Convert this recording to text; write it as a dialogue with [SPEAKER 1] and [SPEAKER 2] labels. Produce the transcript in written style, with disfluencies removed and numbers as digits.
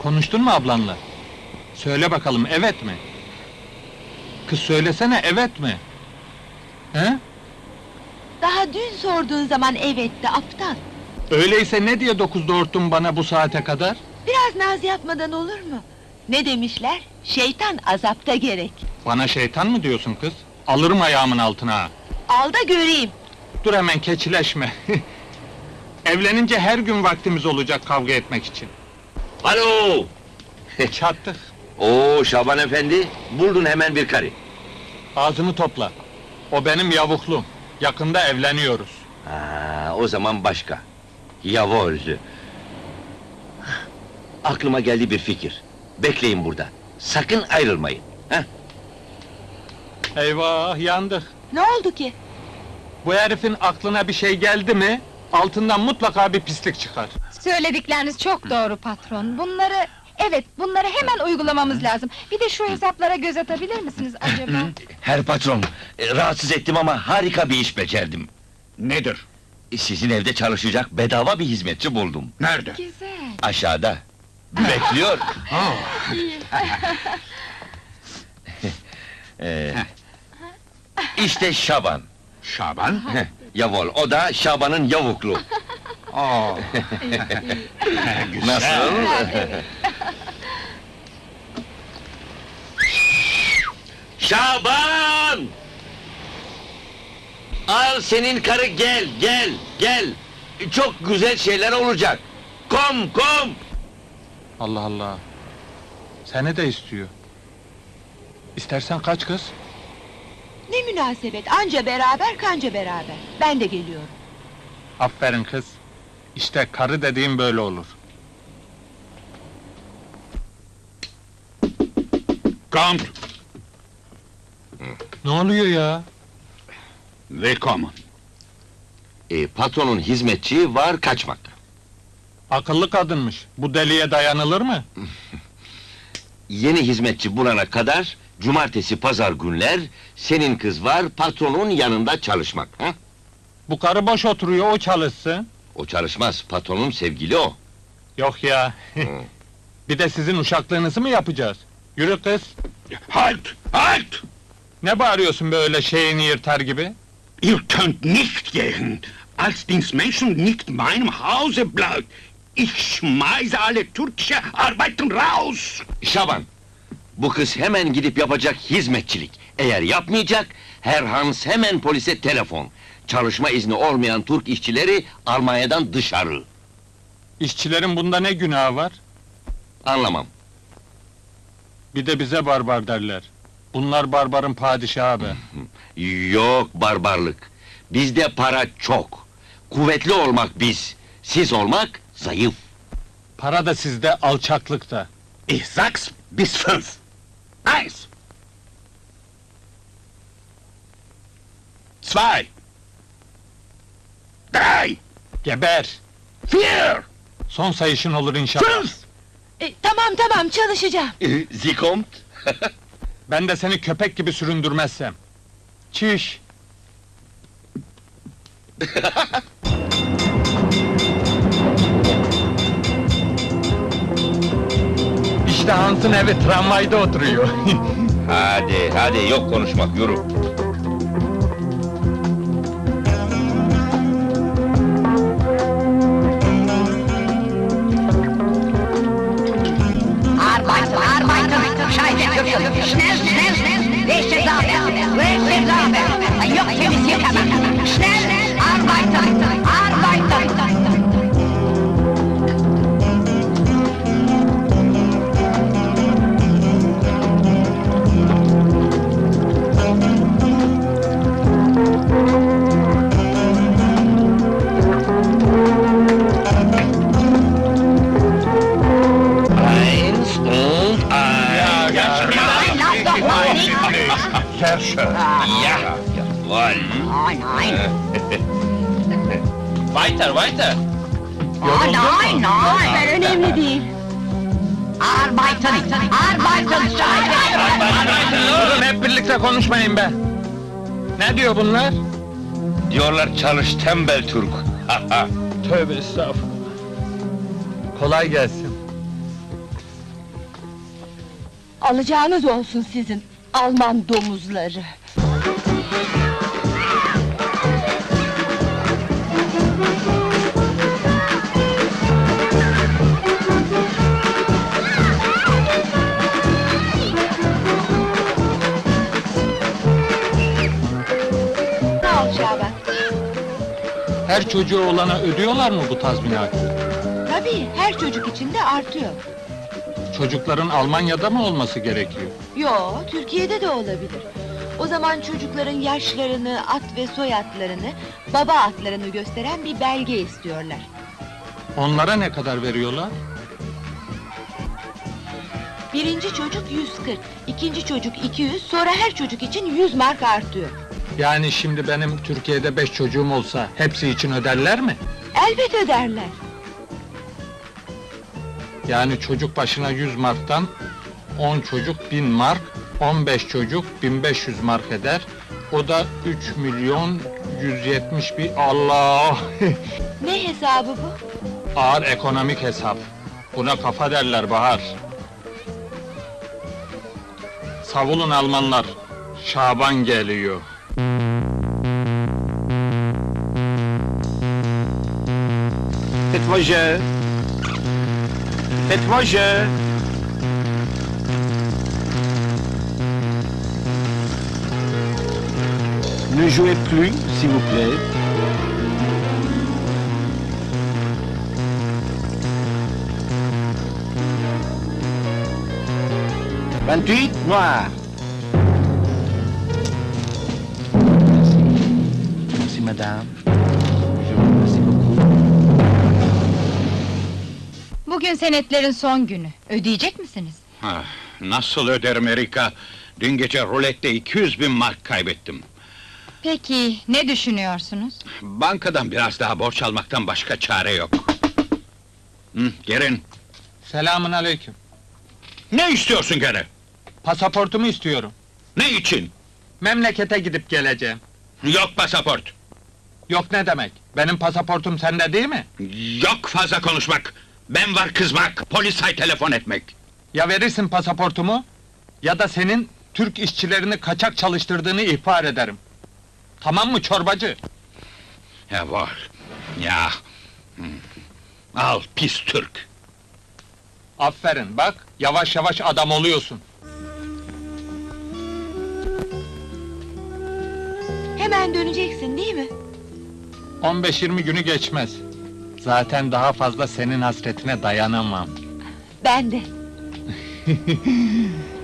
[SPEAKER 1] Konuştun mu ablanla? Söyle bakalım, evet mi? Kız söylesene, evet mi? He?
[SPEAKER 2] Daha dün sorduğun zaman evetti, aptal!
[SPEAKER 1] Öyleyse ne diye 9'da örttün bana bu saate kadar?
[SPEAKER 2] Biraz naz yapmadan olur mu? Ne demişler? Şeytan azapta gerek!
[SPEAKER 1] Bana şeytan mı diyorsun kız? Alırım ayağımın altına ha!
[SPEAKER 2] Al da göreyim!
[SPEAKER 1] Dur hemen keçileşme! Evlenince her gün vaktimiz olacak kavga etmek için.
[SPEAKER 3] Alo!
[SPEAKER 1] Çattık!
[SPEAKER 3] Oo Şaban efendi, buldun hemen bir karı.
[SPEAKER 1] Ağzını topla! O benim yavuklum! Yakında evleniyoruz!
[SPEAKER 3] Ha, o zaman başka. Yavol! Aklıma geldi bir fikir. Bekleyin burada. Sakın ayrılmayın. Heh.
[SPEAKER 1] Eyvah, yandık!
[SPEAKER 2] Ne oldu ki?
[SPEAKER 1] Bu herifin aklına bir şey geldi mi, altından mutlaka bir pislik çıkar.
[SPEAKER 4] Söyledikleriniz çok doğru patron. Bunları hemen uygulamamız lazım. Bir de şu hesaplara göz atabilir misiniz acaba?
[SPEAKER 3] Her patron, rahatsız ettim ama harika bir iş becerdim.
[SPEAKER 5] Nedir?
[SPEAKER 3] Sizin evde çalışacak bedava bir hizmetçi buldum.
[SPEAKER 5] Nerede?
[SPEAKER 4] Güzel.
[SPEAKER 3] Aşağıda. Bekliyor. İşte Şaban.
[SPEAKER 5] Şaban?
[SPEAKER 3] Yavol, o da Şaban'ın yavuklu.
[SPEAKER 5] Aa. Güzel.
[SPEAKER 3] Nasıl? Şaban! Al senin karı, gel! Çok güzel şeyler olacak. Kom!
[SPEAKER 1] Allah Allah! Seni de istiyor. İstersen kaç kız?
[SPEAKER 2] Ne münasebet, anca beraber kanca beraber! Ben de geliyorum!
[SPEAKER 1] Aferin kız! İşte karı dediğim böyle olur.
[SPEAKER 5] Count,
[SPEAKER 1] Ne oluyor ya?
[SPEAKER 5] willkommen.
[SPEAKER 3] Patronun hizmetçi var, kaçmak.
[SPEAKER 1] Akıllı kadınmış. Bu deliye dayanılır mı?
[SPEAKER 3] Yeni hizmetçi bulana kadar, cumartesi, pazar günler, senin kız var, patronun yanında çalışmak. Ha?
[SPEAKER 1] Bu karı boş oturuyor, o çalışsın.
[SPEAKER 3] O çalışmaz, patronun sevgili o.
[SPEAKER 1] Yok ya! Bir de sizin uşaklığınızı mı yapacağız? Yürü kız!
[SPEAKER 5] Halt!
[SPEAKER 1] Ne bağırıyorsun böyle şeyini yırtar gibi?
[SPEAKER 5] Ihr könnt nicht gehen, als dies Menschen nicht meinem Hause bleibt. Ich schmeiße alle türkische Arbeiten raus!
[SPEAKER 3] Şaban, bu kız hemen gidip yapacak hizmetçilik. Eğer yapmayacak, Herr Hans hemen polise telefon. Çalışma izni olmayan Türk işçileri Almanya'dan dışarı.
[SPEAKER 1] İşçilerin bunda ne günahı var?
[SPEAKER 3] Anlamam.
[SPEAKER 1] Bir de bize barbar derler. Bunlar barbarın padişahı be.
[SPEAKER 3] Yok barbarlık. Bizde para çok. Kuvvetli olmak biz, siz olmak zayıf.
[SPEAKER 1] Para da sizde, alçaklık da.
[SPEAKER 5] Ich sag's bis 5. 1. 2. 3.
[SPEAKER 1] Geber!
[SPEAKER 5] 4.
[SPEAKER 1] Son sayışın olur inşallah.
[SPEAKER 5] 5.
[SPEAKER 2] Tamam, çalışacağım!
[SPEAKER 3] Sie kommt?
[SPEAKER 1] Ben de seni köpek gibi süründürmezsem. Çiş! İşte Hans'ın evi, tramvayda oturuyor.
[SPEAKER 3] Hadi, yok konuşmak, yürü.
[SPEAKER 6] Arbeiter, Scheiße, schnell, welche Sache, ein Jochchen ist hier, schnell, Arbeiter!
[SPEAKER 5] Sehr schön.
[SPEAKER 3] Ja, jawohl.
[SPEAKER 6] Nein!
[SPEAKER 3] Weiter!
[SPEAKER 6] Nein!
[SPEAKER 2] Önemli değil!
[SPEAKER 6] Arbeiten, Scheiße!
[SPEAKER 1] Durun, hep birlikte konuşmayın be! Ne diyor bunlar?
[SPEAKER 3] Diyorlar çalış tembel Türk.
[SPEAKER 1] Tövbe estağfurullah! Kolay gelsin!
[SPEAKER 2] Alacağınız olsun sizin, Alman domuzları! Sağ ol Şaban.
[SPEAKER 1] Her çocuğu olana ödüyorlar mı bu tazminatı?
[SPEAKER 2] Tabii, her çocuk için de artıyor.
[SPEAKER 1] Çocukların Almanya'da mı olması gerekiyor?
[SPEAKER 2] Yo, Türkiye'de de olabilir. O zaman çocukların yaşlarını, at ve soyadlarını, baba adlarını gösteren bir belge istiyorlar.
[SPEAKER 1] Onlara ne kadar veriyorlar?
[SPEAKER 2] Birinci çocuk 140, ikinci çocuk 200, sonra her çocuk için 100 mark artıyor.
[SPEAKER 1] Yani şimdi benim Türkiye'de 5 çocuğum olsa hepsi için öderler mi?
[SPEAKER 2] Elbet öderler.
[SPEAKER 1] Yani çocuk başına 100 marktan 10 çocuk 1000 mark, 15 çocuk 1500 mark eder. O da 3 milyon 170 bin... Allah!
[SPEAKER 2] Ne hesabı bu?
[SPEAKER 1] Ağır ekonomik hesap. Buna kafa derler Bahar. Savulun Almanlar. Şaban geliyor.
[SPEAKER 5] Faites-moi jeu. Faites-moi jeu. Ne jouez plus, s'il vous plaît. Vingt-huit, noir. Merci. Merci, madame. Je vous remercie beaucoup.
[SPEAKER 4] Bugün senetlerin son günü. Ödeyecek misiniz?
[SPEAKER 5] Ah, nasıl öderim Erika? Dün gece rulette 200.000 mark kaybettim.
[SPEAKER 4] Peki, ne düşünüyorsunuz?
[SPEAKER 5] Bankadan biraz daha borç almaktan başka çare yok. Gelin.
[SPEAKER 1] Selamün aleyküm.
[SPEAKER 5] Ne istiyorsun gene?
[SPEAKER 1] Pasaportumu istiyorum.
[SPEAKER 5] Ne için?
[SPEAKER 1] Memlekete gidip geleceğim.
[SPEAKER 5] Yok pasaport.
[SPEAKER 1] Yok ne demek? Benim pasaportum sende değil mi?
[SPEAKER 5] Yok fazla konuşmak. Ben var kızmak, polise telefon etmek.
[SPEAKER 1] Ya verirsin pasaportumu, ya da senin Türk işçilerini kaçak çalıştırdığını ihbar ederim. Tamam mı çorbacı?
[SPEAKER 5] Ya var. Ya. Al pis Türk.
[SPEAKER 1] Aferin bak, yavaş yavaş adam oluyorsun.
[SPEAKER 2] Hemen döneceksin değil mi?
[SPEAKER 1] 15-20 günü geçmez. Zaten daha fazla senin hasretine dayanamam.
[SPEAKER 2] Ben de.